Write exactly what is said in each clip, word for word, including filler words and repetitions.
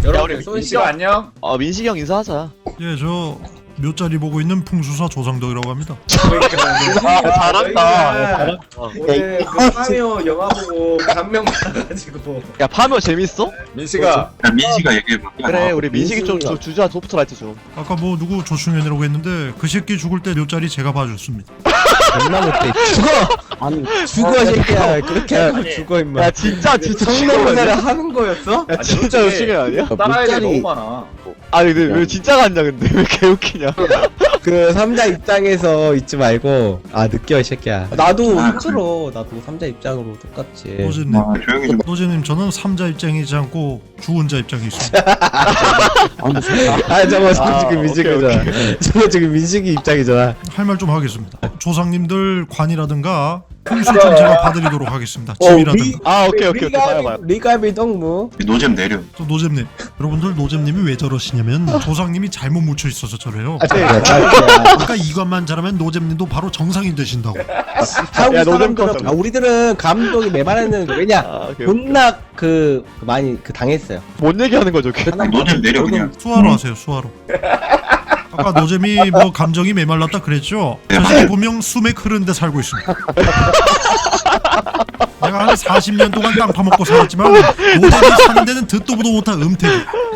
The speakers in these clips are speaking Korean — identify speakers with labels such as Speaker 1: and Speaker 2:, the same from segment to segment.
Speaker 1: 여러분 민식아 안녕.
Speaker 2: 어 민식이 형 인사하자.
Speaker 3: 예, 저 묘자리 보고 있는 풍수사 조상덕이라고 합니다.
Speaker 1: 그러니까
Speaker 2: 잘한다.
Speaker 1: 잘한다. 오늘 그 파미오 영화 보고 감명 받아가지고.
Speaker 2: 야 파묘 재밌어?
Speaker 1: 민식아.
Speaker 4: 야, 민식아 얘기해봐.
Speaker 2: 그래 우리 민식이 좀 주, 주자 소프트라이트 좀.
Speaker 3: 아까 뭐 누구 조충현이라고 했는데 그 새끼 죽을 때 묘자리 제가 봐줬습니다.
Speaker 5: 존나 못해. 죽어! 아니 죽어 새끼야. 그렇게 하고 죽어 임마.
Speaker 2: 야 진짜 진짜
Speaker 5: 성대모사를 하는 거였어?
Speaker 2: 야 진짜 열심히 아니야?
Speaker 1: 따라야 돼
Speaker 5: 묘자리-
Speaker 1: 너무 많아.
Speaker 2: 아니 근데 왜 진짜가 아니야 근데 왜 개웃기냐?
Speaker 5: 그 삼자 입장에서 있지 말고 아 느껴 이 새끼야. 나도 힘들어. 나도 삼자 입장으로 똑같지.
Speaker 3: 노제님,
Speaker 4: 아, 조용히 좀.
Speaker 3: 노제님 저는 삼자 입장이지 않고 주혼자 입장에 있습니다.
Speaker 5: 아 저거
Speaker 2: 아,
Speaker 5: 지금
Speaker 2: 오케이,
Speaker 5: 민식이잖아. 저거 지금 민식이 입장이잖아.
Speaker 3: 할 말 좀 하겠습니다. 조상님들 관이라든가 풍수 좀 제가 봐드리도록 하겠습니다. 집이라든가.
Speaker 2: 아 오케이 오케이 오케이 봐요 봐요.
Speaker 5: 리가비 동무.
Speaker 4: 노잼 내려.
Speaker 3: 또 노잼님, 여러분들 노잼님이 왜 저러시냐면 조상님이 잘못 묻혀 있어서 저래요.
Speaker 5: 아 저거
Speaker 3: 아까 이것만 잘하면 노잼님도 바로 정상이 되신다고.
Speaker 5: 한국
Speaker 2: 야, 노잼
Speaker 5: 사람들은
Speaker 2: 껐어.
Speaker 5: 아, 우리들은 감독이 메말했는 왜냐
Speaker 2: 아, 오케이, 오케이.
Speaker 5: 존나 그 많이 그 당했어요.
Speaker 2: 뭔 얘기하는 거죠? 걔?
Speaker 4: 노잼 내려 그냥.
Speaker 3: 수화로 하세요, 수화로. 아까 노잼이 뭐 감정이 메말랐다 그랬죠? 저 새끼 분명 수맥 흐르는데 살고 있습니다. 내가 한 사십 년 동안 땅 파먹고 살았지만 노잼이 사는 데는 듣도 보도 못한 음택이.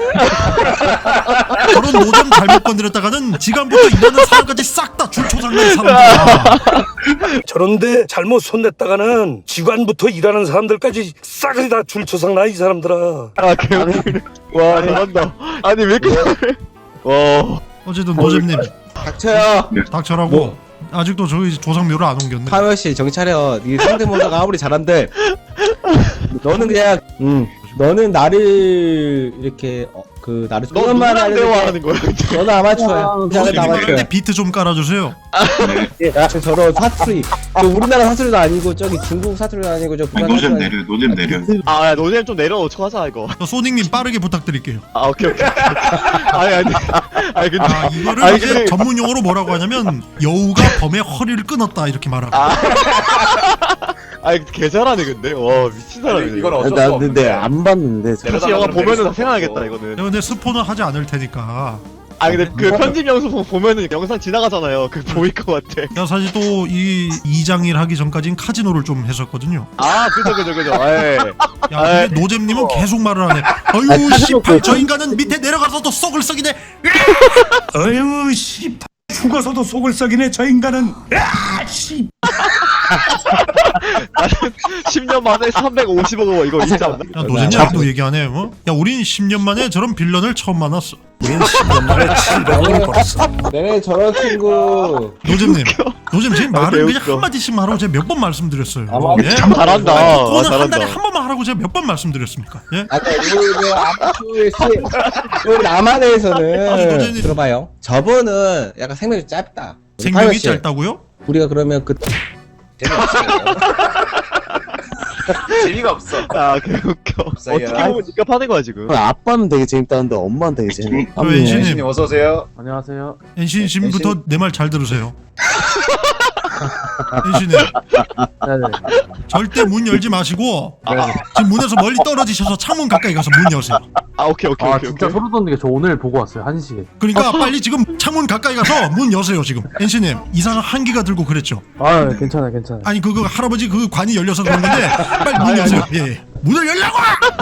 Speaker 3: 저런 노잼 잘못 건드렸다가는 지금부터 일하는 사람까지 싹 다 줄초장난 사람들이야.
Speaker 6: 저런데 잘못 손댔다가는 직원부터 일하는 사람들까지 싹이 다 줄초상 나 이 사람들아.
Speaker 2: 아 개웃기네. 와 잘한다. 아니 왜 이렇게 잘해? 와.
Speaker 3: 어쨌든 노잼님
Speaker 5: 닥쳐요.
Speaker 3: 닥쳐라고.
Speaker 5: 뭐?
Speaker 3: 아직도 저희 조상묘를 안 옮겼네.
Speaker 5: 파묘 씨 정신 차려. 네 상대모사가 아무리 잘한데 너는 그냥 음 너는 나를 이렇게 어, 그 나를
Speaker 2: 너
Speaker 5: 조금만
Speaker 2: 누구랑
Speaker 5: 하는데
Speaker 2: 대화하는 거야?
Speaker 5: 너는 아마추어야. 너는
Speaker 3: 노잼님
Speaker 5: 아마추어야.
Speaker 3: 말할 때 비트 좀 깔아주세요.
Speaker 5: 야, 저런 사투리. 저 우리나라 사투리도 아니고 저기 중국 사투리도 아니고 저
Speaker 4: 아니,
Speaker 5: 북한
Speaker 4: 노잼
Speaker 5: 사투리
Speaker 4: 내려. 노잼 내려.
Speaker 2: 아야 노잼 좀 내려놓고 하자 이거.
Speaker 3: 저 소닉님 빠르게 부탁드릴게요.
Speaker 2: 아 오케이 오케이. 아니 아니. 아니 근데
Speaker 3: 아 이거를
Speaker 2: 아니,
Speaker 3: 이제
Speaker 2: 근데-
Speaker 3: 전문 용어로 뭐라고 하냐면 여우가 범의 허리를 끊었다 이렇게 말하고.
Speaker 2: 아니 개 잘하네 근데. 와 미친 사람이네.
Speaker 1: 이건 어쩔 수
Speaker 7: 나
Speaker 1: 없는데.
Speaker 7: 근데 안 봤는데 저-
Speaker 2: 혹시 영화 보면은 다 생각하겠다 이거는.
Speaker 3: 내가 근데 스포는 하지 않을 테니까.
Speaker 2: 아 근데 그 편집 영상 보면은 영상 지나가잖아요. 그 보일 것 같아.
Speaker 3: 내가 사실 또 이 이장일 하기 전까진 카지노를 좀 했었거든요.
Speaker 2: 아 그죠 그죠 그죠. 예.
Speaker 3: 야 근데 노잼님은 계속 말을 하네. 어휴 씨발 저 인간은 밑에 내려가서도 속을 썩이네.
Speaker 6: 어휴 씨 죽어서도 속을 썩이네 저 인간은. 아씨
Speaker 2: 십 년 만에 삼백오십억 원 이거 있지 않나?
Speaker 3: 야 노잼이 아직도 얘기 안 해. 어? 야 우린 십 년 만에 저런 빌런을 처음 만났어.
Speaker 6: 우린 십 년 만에 칠백억을 벌었어.
Speaker 5: 내내 저런 친구.
Speaker 3: 노잼님, 노잼 지금
Speaker 2: 아,
Speaker 3: 말을 그냥
Speaker 2: 개웃겨.
Speaker 3: 한 마디씩만 하라고 제가 몇 번 말씀드렸어요.
Speaker 5: 아마-
Speaker 3: 예?
Speaker 2: 참 잘한다. 아,
Speaker 3: 그거는 한 달에
Speaker 2: 잘한다.
Speaker 3: 한 번만 하라고 제가 몇 번 말씀드렸습니까? 예?
Speaker 5: 아까 우리 아마추어의 시 우리 남한에서는
Speaker 3: 아니, 노잼님.
Speaker 5: 들어봐요. 저분은 약간 생명이 짧다. 우리 파묘
Speaker 3: 생명이
Speaker 5: 씨,
Speaker 3: 짧다고요?
Speaker 5: 우리가 그러면 그
Speaker 1: 재미가 없어.
Speaker 2: 아 개웃겨.
Speaker 1: 없어요.
Speaker 2: 어떻게 보면 니가 파는 거야 지금.
Speaker 7: 아빠는 되게 재밌다는데 엄마는 되게 재밌.
Speaker 3: 그 엔신님,
Speaker 1: 민식님 어서 오세요.
Speaker 7: 안녕하세요.
Speaker 3: 엔신 지금부터 내 말 잘 들으세요. 엔신님,
Speaker 7: 네네.
Speaker 3: 절대 문 열지 마시고 지금 문에서 멀리 떨어지셔서 창문 가까이 가서 문 여세요.
Speaker 2: 아 오케이 오케이
Speaker 7: 아
Speaker 2: 오케이.
Speaker 7: 진짜
Speaker 2: 오케이.
Speaker 7: 소름 돋는 게 저 오늘 보고 왔어요 한 시에.
Speaker 3: 그러니까 빨리 지금 창문 가까이 가서 문 여세요 지금. 엔신님 이상한 한기가 들고 그랬죠.
Speaker 7: 아 괜찮아요 괜찮아요.
Speaker 3: 아니 그거 할아버지 그 관이 열려서 그런 건데 빨리 문 여세요. 예, 예. 문을 열라고!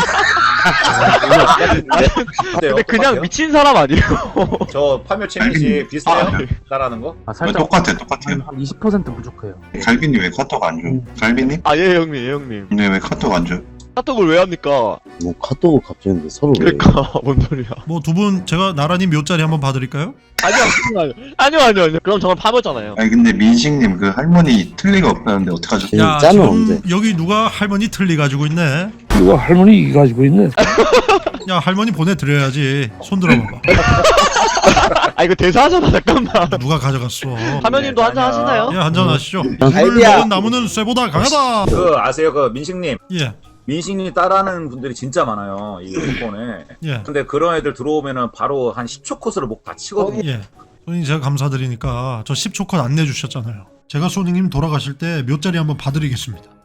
Speaker 2: 근데 그냥 미친 사람 아니에요?
Speaker 1: 저 파묘 채널이 비슷해요?
Speaker 2: 아, 네.
Speaker 1: 따라하는 거?
Speaker 7: 아
Speaker 4: 어,
Speaker 7: 살짝
Speaker 4: 똑같아 똑같아요.
Speaker 7: 한, 한 이십 퍼센트 부족해요.
Speaker 4: 갈비님 왜 카톡 안 줘? 갈비님?
Speaker 2: 아 예 형님 예 형님.
Speaker 4: 근데 왜 카톡 안 줘?
Speaker 2: 카톡을 왜 합니까?
Speaker 7: 뭐 카톡을 갑자기 근데 서로 왜?
Speaker 2: 그러니까 뭔 소리야?
Speaker 3: 뭐 두 분 제가 나란히 묘자리 한번 봐드릴까요?
Speaker 2: 아니요 아니요 아니요 아니요 아니요. 그럼 저는 파묘잖아요.
Speaker 4: 아니 근데 민식님 그 할머니 틀 리가 없다는데 어떡하죠?
Speaker 7: 이
Speaker 3: 야
Speaker 7: 짠은
Speaker 3: 지금
Speaker 7: 언제?
Speaker 3: 여기 누가 할머니 틀리 가지고 있네.
Speaker 6: 누가 할머니 이 가지고 있네.
Speaker 3: 야 할머니 보내드려야지. 손 들어봐봐.
Speaker 2: 아 이거 대사하잖아 잠깐만.
Speaker 3: 누가 가져갔어.
Speaker 2: 파묘님도 한잔 하시나요?
Speaker 3: 예 한잔 하시죠. 물을
Speaker 5: 갈비야.
Speaker 3: 먹은 나무는 쇠보다 강하다.
Speaker 1: 그 아세요? 그 민식님.
Speaker 3: 예
Speaker 1: 민식님 따라하는 분들이 진짜 많아요. 이 조건에.
Speaker 3: 예.
Speaker 1: 근데 그런 애들 들어오면은 바로 한 십 초 코스를 목 다 치거든요.
Speaker 3: 예. 소님 제가 감사드리니까 저 십 초 컷 안내주셨잖아요. 제가 소님님 돌아가실 때 묘자리 한번 봐드리겠습니다.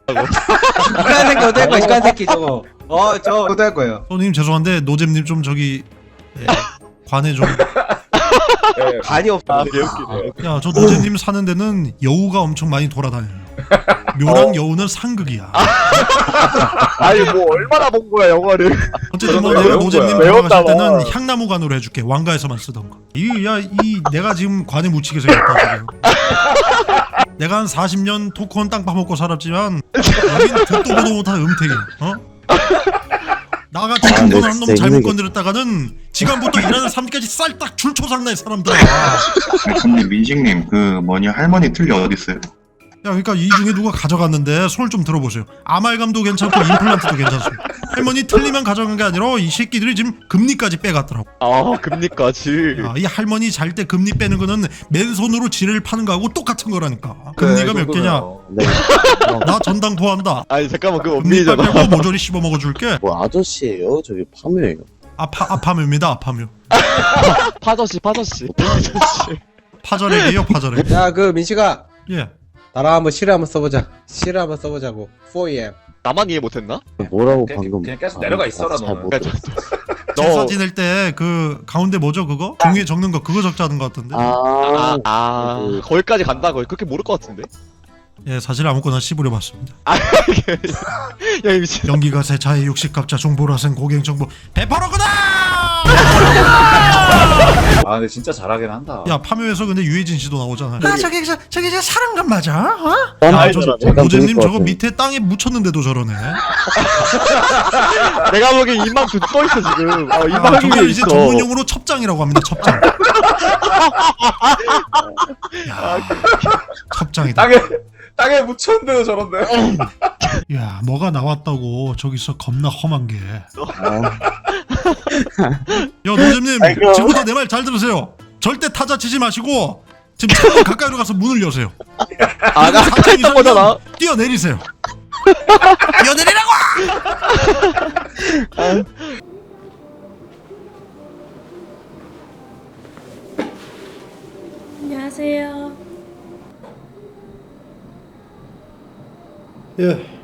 Speaker 5: 이간 새끼 어떨 거야 이간 새끼 저거. 어저 어떨 거예요.
Speaker 3: 손님 죄송한데 노잼님 좀 저기 예, 관에 좀.
Speaker 5: 간이 없어.
Speaker 2: 아 개웃기네.
Speaker 3: 야 저 노잼님 사는 데는 여우가 엄청 많이 돌아다녀요. 묘랑 여우는 상극이야.
Speaker 2: 아니 뭐 얼마나 본 거야 영화를.
Speaker 3: 어쨌든 뭐
Speaker 1: 그런
Speaker 3: 내가
Speaker 1: 거
Speaker 3: 노잼님
Speaker 1: 외운
Speaker 2: 거야.
Speaker 3: 돌아가실 때는
Speaker 2: 외웠다고.
Speaker 3: 향나무관으로 해줄게. 왕가에서만 쓰던 거. 이야이 내가 지금 관에 묻히게 생겼다 지금. 내가 한 사십 년 토크원 땅 파먹고 살았지만 여긴 듣도 보도 못한 음택이야. 어? 나같이
Speaker 7: 아, 근데
Speaker 3: 토크원 한 놈
Speaker 7: 진짜
Speaker 3: 잘못
Speaker 7: 힘들겠다.
Speaker 3: 건드렸다가는 지금부터 일하는 삶까지 쌀딱 줄초상날 사람들아. 야
Speaker 4: 근데 민식님 그 뭐냐 할머니 틀니 어디 있어요?
Speaker 3: 그러니까 이 중에 누가 가져갔는데 손을 좀 들어보세요. 아말감도 괜찮고 임플란트도 괜찮습니다. 할머니 틀니만 가져간 게 아니라 이 새끼들이 지금 금리까지 빼갔더라고.
Speaker 2: 아 금리까지.
Speaker 3: 야, 이 할머니 잘 때 금리 빼는 거는 맨손으로 지뢰를 파는 거하고 똑같은 거라니까. 금리가 몇 개냐?
Speaker 7: 네.
Speaker 3: 나 전당 토한다.
Speaker 2: 아니 잠깐만 그
Speaker 3: 금리빨
Speaker 2: 엄밀잖아.
Speaker 3: 빼고 모조리 씹어 먹어줄게.
Speaker 7: 뭐 아저씨예요? 저기 파묘예요.
Speaker 3: 아파 아파묘입니다. 아파묘.
Speaker 2: 파저씨 파저씨. 파저씨.
Speaker 3: 파절액이에요. 파절액.
Speaker 5: 야 그 민식아
Speaker 3: 예.
Speaker 5: 나랑 한번 시를 한번 써보자. 시를 한번 써보자고. 포엠.
Speaker 2: 나만 이해 못했나?
Speaker 7: 뭐라고
Speaker 1: 그냥-
Speaker 7: 방금
Speaker 1: 그냥 계속
Speaker 7: 아,
Speaker 1: 내려가
Speaker 7: 아,
Speaker 1: 있어라,
Speaker 7: 잘
Speaker 1: 너는.
Speaker 7: 못
Speaker 2: 그러니까
Speaker 7: 들었어.
Speaker 3: 제사
Speaker 2: 너.
Speaker 3: 지낼 때 그 가운데 뭐죠 그거? 종이에 적는 거 그거 적자는 것 같은데.
Speaker 7: 아,
Speaker 2: 아, 아
Speaker 7: 그-
Speaker 2: 거기까지 간다고 그렇게 모를 것 같은데?
Speaker 3: 예, 사실 아무거나 씹으려봤습니다.
Speaker 2: 야 이 미친.
Speaker 3: 연기가 세차의 육식갑자 중보라생 고갱 정보 배파로구나.
Speaker 1: 아 근데 진짜 잘하긴 한다.
Speaker 3: 야 파묘에서 근데 유해진 씨도 나오잖아. 아 저기 저 저기 저 사람감 맞아? 어?
Speaker 7: 아,
Speaker 3: 야, 저
Speaker 7: 약간
Speaker 3: 노잼님
Speaker 7: 그럴 것
Speaker 3: 저거
Speaker 7: 같아.
Speaker 3: 밑에 땅에 묻혔는데도 저러네.
Speaker 2: 내가 보기엔 입만 쭉 떠있어 지금. 어
Speaker 3: 아,
Speaker 2: 입만
Speaker 3: 저걸
Speaker 2: 위에
Speaker 3: 이제
Speaker 2: 있어.
Speaker 3: 전문 용어로 첩장이라고 합니다. 첩장. 야, 첩장이다.
Speaker 1: 땅에 땅에 묻혔는데도 저런데.
Speaker 3: 야, 뭐가 나왔다고 저기서 겁나 험한 게.
Speaker 7: 아,
Speaker 3: 야, 노잼님 지금부터 내 말 잘 들으세요. 절대 타자 치지 마시고 지금 창문 가까이로 가서 문을 여세요.
Speaker 2: 아나
Speaker 3: 사장
Speaker 2: 했던 거잖아.
Speaker 3: 뛰어내리세요. 뛰어내리라고!
Speaker 8: 안녕하세요.
Speaker 3: 예.